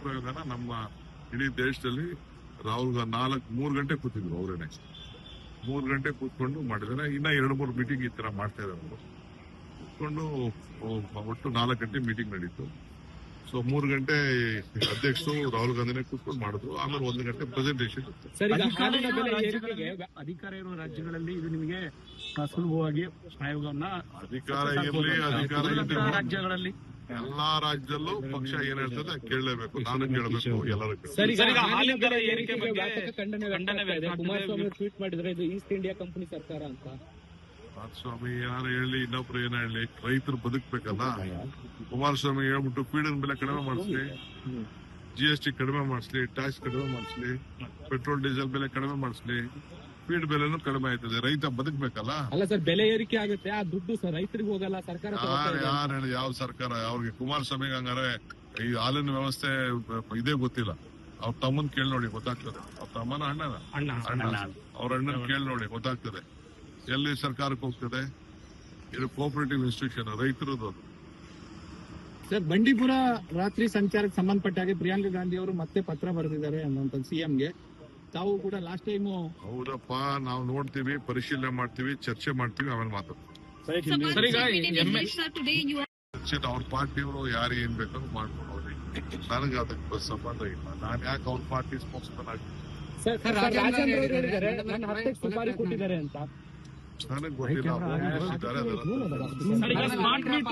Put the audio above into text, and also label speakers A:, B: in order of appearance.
A: ಪ್ರಯೋಗನ ನಮ್ಮ ಇಡೀ ದೇಶದಲ್ಲಿ ರಾಹುಲ್ ಗಾಂಧಿ 3 ಗಂಟೆ ಕೂತಿದ್ರು ಅವರೇನೆ. 3 ಗಂಟೆ ಕೂತ್ಕೊಂಡು ಮಾಡಿದಾರೆ. ಇನ್ನ 2-3 ಮೀಟಿಂಗ್ ಈ ತರ ಮಾಡ್ತಾ ಇದ್ದಾರೆ ಅವರು. ಕೂತ್ಕೊಂಡು ಒಟ್ಟು 4 ಗಂಟೆ ಮೀಟಿಂಗ್ ನಡೀತು. ಸೊ 3 ಗಂಟೆ ಅಧ್ಯಕ್ಷರು ರಾಹುಲ್ ಗಾಂಧಿನೇ ಕೂತ್ಕೊಂಡು ಮಾಡಿದ್ರು. ಆಮೇಲೆ 1 ಗಂಟೆ ಪ್ರೆಸೆಂಟೇಷನ್.
B: ಅಧಿಕಾರ ಇರುವ ರಾಜ್ಯಗಳಲ್ಲಿ ಇದು ನಿಮಗೆ ಸುಲಭವಾಗಿ ಆಯೋಗವನ್ನ
A: ಅಧಿಕಾರ ಇರಲಿ
B: ರಾಜ್ಯಗಳಲ್ಲಿ
A: ಎಲ್ಲಾ ರಾಜ್ಯದಲ್ಲೂ ಪಕ್ಷ ಏನ್ ಹೇಳ್ತದೆ ಕೇಳಲೇಬೇಕು. ನಾನು ಕೇಳಬೇಕು, ಎಲ್ಲರೂ.
B: ಕುಮಾರಸ್ವಾಮಿ ಟ್ವೀಟ್ ಮಾಡಿದ್ರೆ ಇದು ಈಸ್ಟ್ ಇಂಡಿಯಾ ಕಂಪನಿ ಸರ್ಕಾರ ಅಂತ.
A: ಕುಮಾರಸ್ವಾಮಿ ಏನಾರು ಹೇಳಿ, ಇನ್ನೊಬ್ರು ಏನ ಹೇಳಿ, ರೈತರು ಬದುಕ್ಬೇಕಲ್ಲ. ಕುಮಾರಸ್ವಾಮಿ ಹೇಳ್ಬಿಟ್ಟು ಫೀಡಿನ ಬೆಲೆ ಕಡಿಮೆ ಮಾಡಿಸ್ಲಿ, GST ಕಡಿಮೆ ಮಾಡಿಸ್ಲಿ, ಟ್ಯಾಕ್ಸ್ ಕಡಿಮೆ ಮಾಡಿಸ್ಲಿ, ಪೆಟ್ರೋಲ್ ಡೀಸೆಲ್ ಬೆಲೆ ಕಡಿಮೆ ಮಾಡಿಸ್ಲಿ, ಫೀಡ್ ಬೆಲೆನೂ ಕಡಿಮೆ ಆಯ್ತದೆ. ರೈತ ಬದುಕ್ಬೇಕಲ್ಲ.
B: ಅಲ್ಲ ಸರ್, ಬೆಲೆ ಏರಿಕೆ ಆಗುತ್ತೆ, ಆ ದುಡ್ಡು ಸರ್ ರೈತರಿಗೆ ಹೋಗಲ್ಲ, ಸರ್ಕಾರ
A: ಯಾರು ಹೇಳಿ ಯಾವ ಸರ್ಕಾರ? ಅವ್ರಿಗೆ ಕುಮಾರಸ್ವಾಮಿಗೆ ಹಂಗಾರೆ ಈ ಹಾಲಿನ ವ್ಯವಸ್ಥೆ ಇದೇ ಗೊತ್ತಿಲ್ಲ. ಅವ್ರ ತಮ್ಮನ್ ಕೇಳಿ ನೋಡಿ ಗೊತ್ತಾಗ್ತದೆ. ಅವ್ರ ತಮ್ಮನ ಅಣ್ಣ ಅವ್ರ ಅಣ್ಣನ ಕೇಳಿ ನೋಡಿ ಗೊತ್ತಾಗ್ತದೆ ಎಲ್ಲಿ ಸರ್ಕಾರಕ್ಕೆ ಹೋಗ್ತದೆ. ಇದು ಕೋಆಪರೇಟಿವ್ ಇನ್ಸ್ಟಿಟ್ಯೂಷನ್, ರೈತರದ್ದು.
B: ಸರ್, ಬಂಡೀಪುರ ರಾತ್ರಿ ಸಂಚಾರಕ್ಕೆ ಸಂಬಂಧಪಟ್ಟ ಹಾಗೆ ಪ್ರಿಯಾಂಕಾ ಗಾಂಧಿ ಅವರು ಮತ್ತೆ ಪತ್ರ ಬರೆದಿದ್ದಾರೆ ಅನ್ನುವಂಥ ಸಿಎಂಗೆ. ತಾವು ಕೂಡ ಲಾಸ್ಟ್ ಟೈಮ್.
A: ಹೌದಪ್ಪ, ನಾವು ನೋಡ್ತೀವಿ, ಪರಿಶೀಲನೆ ಮಾಡ್ತೀವಿ, ಚರ್ಚೆ ಮಾಡ್ತೀವಿ, ಆಮೇಲೆ ಮಾತಾಡ್ತೀವಿ. ಅವ್ರ ಪಾರ್ಟಿಯವರು ಯಾರು ಏನ್ ಬೇಕಾದ್ರೂ ಮಾಡ್ಕೊಂಡು ಹೋಗಿ, ನನಗೆ ಅದಕ್ಕೆ ಸಂಬಂಧ ಇಲ್ಲ. ನಾನು ಯಾಕೆ ಅವ್ರ ಪಾರ್ಟಿ ಸ್ಪೋಕ್ಸ್ಮನ್ ಆಗ್ತೀನಿ? ನನಗೆ ಗೊತ್ತಿಲ್ಲ.